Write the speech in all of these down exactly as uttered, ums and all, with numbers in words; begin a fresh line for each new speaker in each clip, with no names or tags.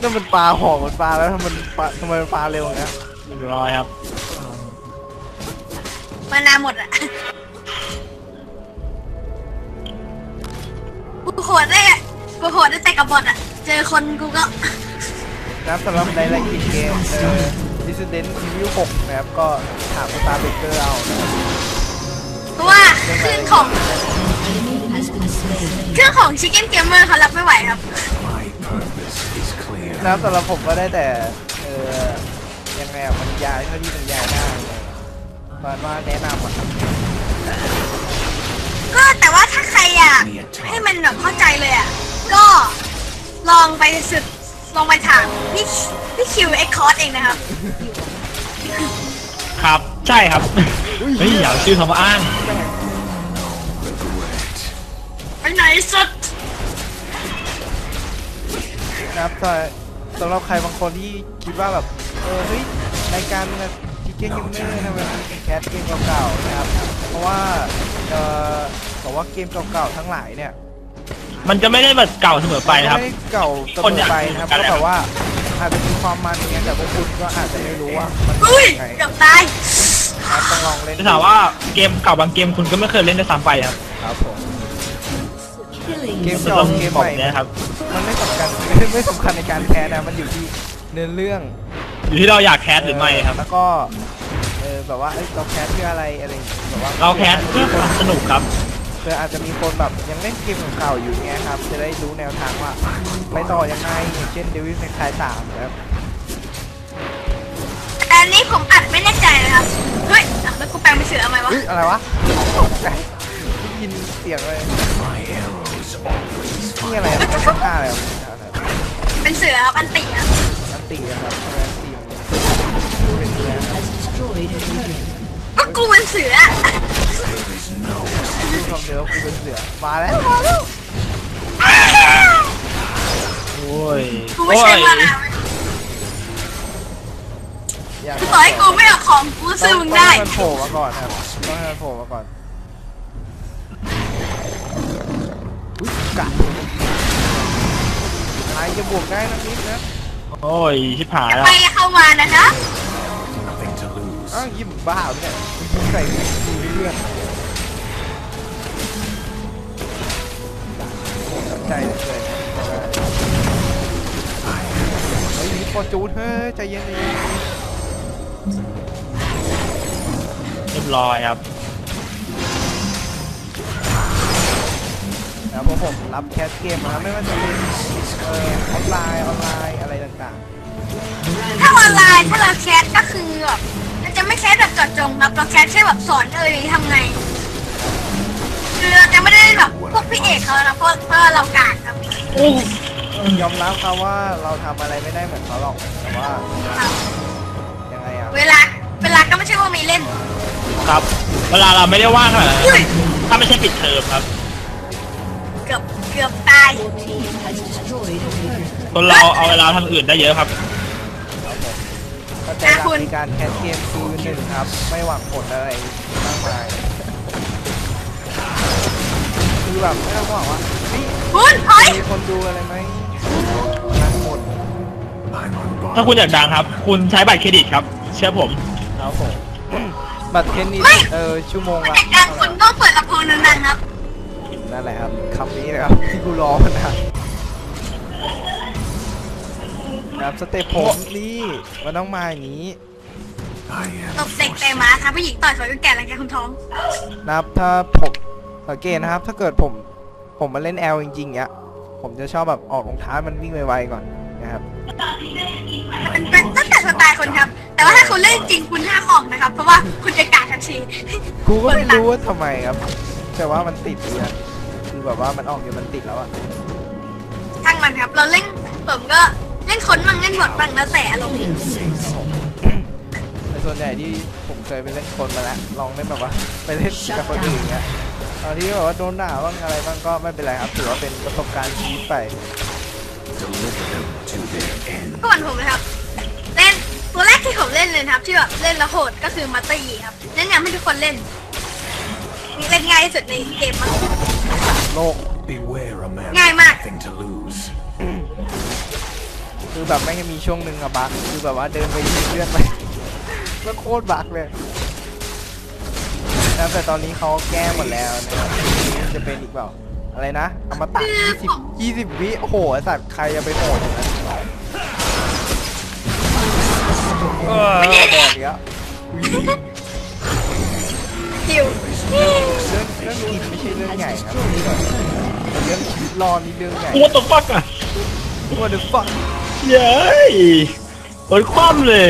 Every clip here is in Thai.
นั่นมันปลาหอกมันปลาแล้วทำไมมันปลาทำไมมันปลาเร็วอย่างเงี้ย
เรียบร้อยครับ
มานาหมดอะกูโหดได้อะกูโหดได้แต่กับบอทอะเจอคนกูก็
นะครับสำหรับในรายละเอียดเกมเอ่อ Resident Evil หกนะครับก็ถามสตาร์เบเกอร์เอานะครับ
เพราะว่าเครื่องของเครื่องของ Chicken Gamer เขารับไม่ไหวครับ
นะครับสำหรับผมก็ได้แต่เออยังไงอะมันยายเท่าที่มันยายได้ตอนว่าแนะนำอะครับ
ก็แต่ว่าถ้าใครอยากให้มันแบบเข้าใจเลยอ่ะก็ลองไปสุดลองไปถามพี่พี่คิวเอ็กคอร์สเองนะครับ
ครับใช่ครับเฮ้ยอย่าชื่อคำว่าอ้าง
ไปไหนสุด
นะครับสำหรับใครบางคนที่คิดว่าแบบเออเฮ้ยรายการชิคเก้นเกมเมอร์ทำไมมันแคสเกมเก่าๆนะครับเพราะว่าเออบอกว่าเกมเก่าๆทั้งหลายเนี่ย
มันจะไม่ได้แบบเก่าเสมอไปนะครับ
ไม่เก่าเสมอไปนะครับก็แบบว่าอาจจะมีความมันอย่างเงี้ยแต่พวกคุณก็อาจจะไม่รู้ว่ามัน
เป็นไงเกือบตาย
ต้องลองเล่น
จะถามว่าเกมเก่าบางเกมคุณก็ไม่เคยเล่นได้ซ้ำไปครับ
ครับผมเกมเก่าเกมใหม่
นะครับ
มันไม่สำคัญไม่สำคัญในการแคสนะมันอยู่ที่เนื้อเรื่อง
อยู่ที่เราอยากแคสหรือไม่ครับ
แล้วก็เออแบบว่าเราแคสเพื่ออะไรอะไรแบบว่า
เราแคสเพื่อความสนุกครับ
เพื่ออาจจะมีคนแบบยังเล่นเกมเก่าอยู่เงี้ยครับจะได้รู้แนวทางว่าไปต่อยังไงอย่างเช่นเดวิลเมคไคสามนะครับ
แต่อันนี้ผมอัดไม่แน่ใจนะครับเฮ้ยแล้วกูแปลงเป็นเสืออะไรวะ
อะไรวะได้ยินเสียงเลยนี่อะไรเป็นเสื้อผ้าอะไร
เป็นเสือครับอันติครับ
อันติครับอันติเป็นเสือ
ก็กูเป็นเสือ
ดูความเดียวกูเป็นเสือมาแล้วมาแล้ว
โอ้ย
กูไม่ใช่มาแล้วคือต่อให้กูไม่เอาของกูซื้อมึงได้
ต้องให้มันโผล่มาก่อนครับต้องให้มันโผล่มาก่อนอุ้ยกัดไอ้จะบวกได้นะนิดนะ
โอ้ยชิบหายแล้ว
ไปเข้ามานะคะ
อ้าวยิ้มบ้าเนี่ยยิ้มใส่ดูเรื่องใจเลยเฮ้ยมีพอจูนเฮ้ยใจเย็นเลย
เรียบร้อยครับ
แล้วพวกผมรับแคสเกมนะไม่ว่าจะเป็นเอ่อออนไลน์ออนไลน์อะไรต่าง
ๆถ้าออนไลน์ถ้าเราแคสก็คือแบบเราจะไม่แคสแบบเจาะจงครับเราแคสแค่แบบสอนเออทำไงคือเราจะไม่ได้แบบพวกพี่เอกเขานะเพราะเพราะเรากากครับ
ยอมรับครับว่าเราทำอะไรไม่ได้เหมือนเขาหรอกแต่ว่ายังไงอะ
เวลาเวลาก็ไม่ใช่ว่ามีเล่น
ครับเวลาเราไม่ได้ว่างขนาดนั้นถ้าไม่ใช่ปิดเทอมครับ
เกือบเกือบตาย
คนเราเอาเวลาทำอื่นได้เยอะครับ
ก็ใจรักในการแคสเกมคือหนึ่งครับไม่หวังผลอะไรมากมายคือแบบไม่ต้องหวังว่ามีคนดูอะไรไหมนั่งหมด
ถ้าคุณอยากดังครับคุณใช้บัตรเครดิตครับเชื่อผม
ครับผมบัตรเครดิตเออชั่วโมงละ
คุณต้องเปิดลำโพงดังๆครับ
นั่นแหละครับคำนี้นะครับที่กูรอมานานครับสเตปผมนี่มันต้องมาอย่างนี้
ตบเด็กแต่หมาท้าผู้หญิงต่อยสวยแก่แล้วแกคุณท้อง
นะครับถ้าผมสังเกตนะครับถ้าเกิดผมผมมาเล่นแอลจริงๆเนี้ยผมจะชอบแบบออกรองเท้ามันวิ่งไวๆก่อนนะครับ
มันเป็นตั้งแต่สไตล์คนครับแต่ว่าถ้าคุณเล่นจริงคุณห้ามออกนะครับเพราะว่าคุณจะกาดทันที
กูก็ไม่รู้ว่าทำไมครับแต่ว่ามันติดเลยคือแบบว่ามันออกอยู่มันติดแล้วอะ
ทั้งมันครับเราเล่นผมก็เล่นคนบ้างเล่นบทบ้างแล้วแต่อารมณ์
ในส่วนใหญ่ที่ผมเคยไปเล่นคนมาแล้วลองเล่นแบบว่าไปเล่นกับคนอื่นเงี้ยตอนที่แบบว่าโดนด่าบ้างอะไรบ้างก็ไม่เป็นไรครับถือว่าเป็นประสบการณ์ชีวิตไป
ก่อนผมนะครับเล่นตัวแรกที่ผมเล่นเลยครับที่แบบเล่นแล้วโหดก็คือมัตเตอร์ยีครับแนะนำให้ทุกคนเล่นเล่นง่ายที่สุดในเกมมั้ง
โลก
ง่ายมาก
คือแบบแม่งจะมีช่วงหนึ่งอะบักคือแบบว่าเดินไปเลือดไปแล้วโคตรบักเลยนะแต่ตอนนี้เขาแก้หมดแล้วนะครับนี่จะเป็นอีกเปล่าอะไรนะอมตะยี่สิบ ยี่สิบวิโอ้โหไอ้สัตว์ใครจะไปโหดอย่างนั้นเออแบบเนี้ย
หิว
เรื่องเรื่องกินไม่ใช่เรื่องใหญ่ครับเรื่องชีวิตรอดนี่เรื่องใหญ่
What the fuck อ่ะ
What the fuck
เย้ยโดนคว่ำเลย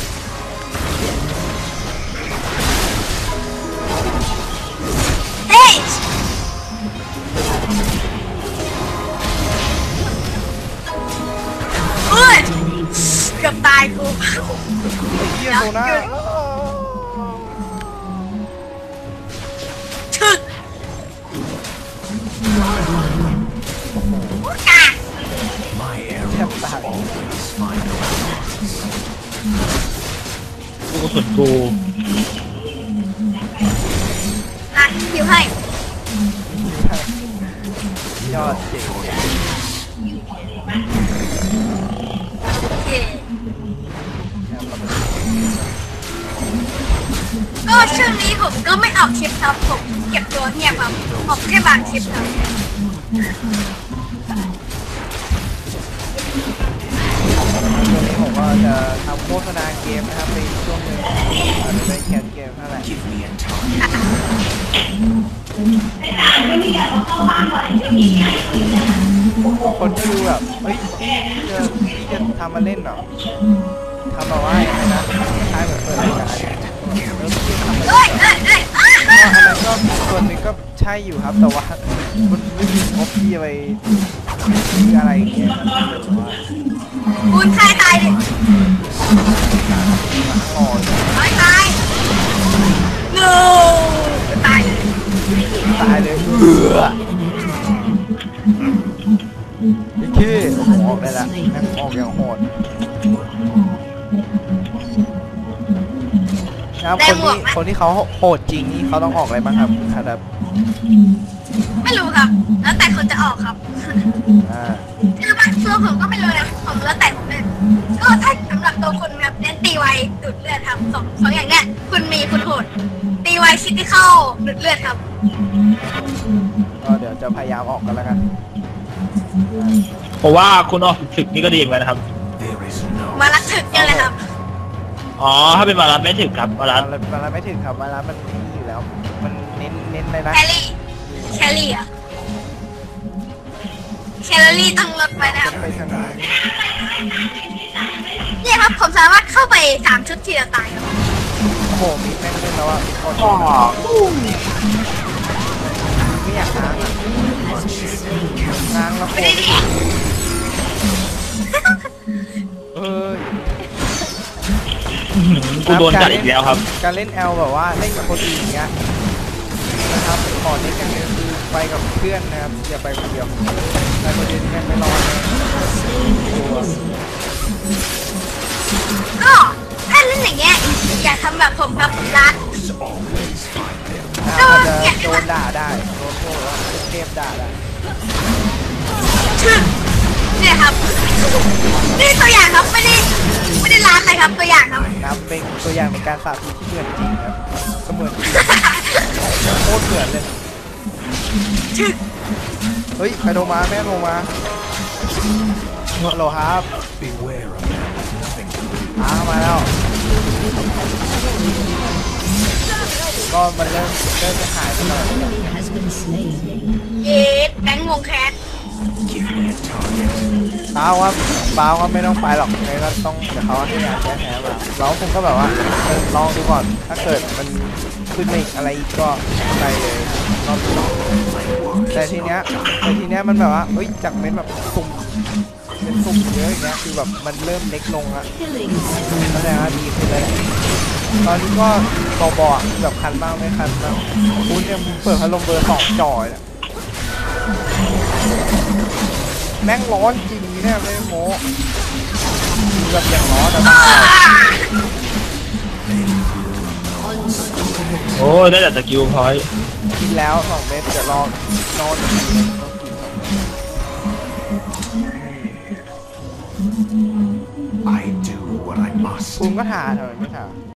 เฮ้ยเฮ้ยเกือบตายกู
ไอ้เหี้ยโซน่า
ชึกกา
แทบตาย
กูสุดกู
อ่ะหิวให้
ยอดเจ๋ง
โอเคก็ช่วงนี้ผมก็ไม่ออกคลิปครับผมเก็บตัวเงียบครับออกแค่บางคลิปครับ
ช่วงนี้ผมก็จะทำโฆษณาเกมนะครับในช่วงหนึงอาจจะได้แคสเกมเท่าไหร่คนที่ดูแบบเฮ้ยพี่จะพี่จะทำมาเล่นเหรอทำมาว่าอย่างไรนะคล้ายเหมือนเปิดรายการแล้วพี่ทำมา
เอ้
เล่
ย
น
เอ้ยเอ้ยอ้า
ก็อันนั้นก็ส่วนหนึ่งก็ใช่อยู่ครับแต่ว่ามันไม่มีงบที่จะไปซื้ออะไรอย่างเงี้ยครับแต่ว่า
คุณใครตายดิ
หมาอ่อน
ตายตาย no ตายเลย
ตายเลยเอือไอ้ขี้ผมออกได้ละแม่งออกอย่างโหดครับคนที่คนที่เขาโหดจริงนี่เขาต้องออกอะไรบ้างครับครับ
ไม่รู้ครับ แล้วแต่คนจะออกครับ
อ่า
คือบางตัวผมก็ไม่รู้นะผมแล้วแต่ผมเลยก็ถ้าสำหรับตัวคุณครับเน้นตีไวดูดเลือดครับสองสองอย่างเนี้ยคุณมีคุณโหดตีไวคิดที่เข้าดูดเลือดครับ
ก็เดี๋ยวจะพยายามออกกันแล้วกัน
เพราะว่าคุณออกถึกนี่ก็ดีเหมือนกันนะครับ
มารักถึกเนี่ยเลยครับ
อ๋อ ถ้าเป็นมารับไม่ถึกครับมารับ
มันมันไม่ถึงครับเวลามันนี่อยู่แล้ว มันเน้นเน้นเลยนะ
แคลรี่แคลรี่อะแคลอรี่ต้องลดไปนะครับ
ไปทางไหน
เนี่ยครับผมสามารถเข้าไปสามชุดทีละตายครับ
โอ้โหมีแม่งเล่นแล้วอ่ะโคตร
อ๋อ
ไม่อยากง้างอ่ะง้างแล้วโค
ไม่ได้
ตร
ดิ
เออ
กูโดนจัดอีกแล้วครับ
การเล่นแอลแบบว่าเล่นกับคนอื่นอย่างเงี้ยนะครับขอเน้นอย่างเดียวคือไปกับเพื่อนนะครับอย่าไปคนเดียวไปคนเดียวนี่แม่งไม่รอดเลย
ก็ถ้าเล่นอย่างเงี้ยอย่าทำแบบผมครับรัด
อาจจะโดนด่าได้โดนโทษว่าเทพด่าได้
เนี่ยครับนี่ตัวอย่างครับไม่ได้ไม่ได้ล้าใครครับตัวอย่างครับ
นับเป็นตัวอย่างในการสาธิตที่เหมือนจริงครับก็เหมือนจริงโคตรเหมือนเลยเฮ้ยใครโทรมาแม่โทรมาฮัลโหลครับอ้ามาแล้วก็มันเริ่มเริ่มจะหายไปแล้ว
เย็ดแบงค์วงแคส
เปล่าครับเปล่าครับไม่ต้องไปหรอกไงก็ต้องเดี๋ยวเขาให้ยาแก้แพ้มาเราคงก็แบบว่าเออลองดูก่อนถ้าเกิดมันขึ้นมาอีกอะไรอีกก็ไปเลยรอบที่สองแต่ทีเนี้ยแต่ทีเนี้ยมันแบบว่าเฮ้ยจากเม็ดแบบสุ่มเป็นสุ่มเยอะอย่างเงี้ยคือแบบมันเริ่มเล็กลงอะแสดงว่าดีขึ้นเลยตอนนี้ก็บอๆแบบคันบ้างไม่คันบ้างคุณเนี่ยเปิดพัดลมเบอร์สองจ่อยเนี่ยแม่งร้อนจริงเนี่ยไม่ได้โม้แบบอย่างร้อนอะ
โอ้ยได้แต่สกิลพอยต์
กินแล้วสองเม็ดจะรอนอนอีกทีนึงต้องกินสองเม็ด
I do what I must.
คุณก็ถามทำไมไม่ถาม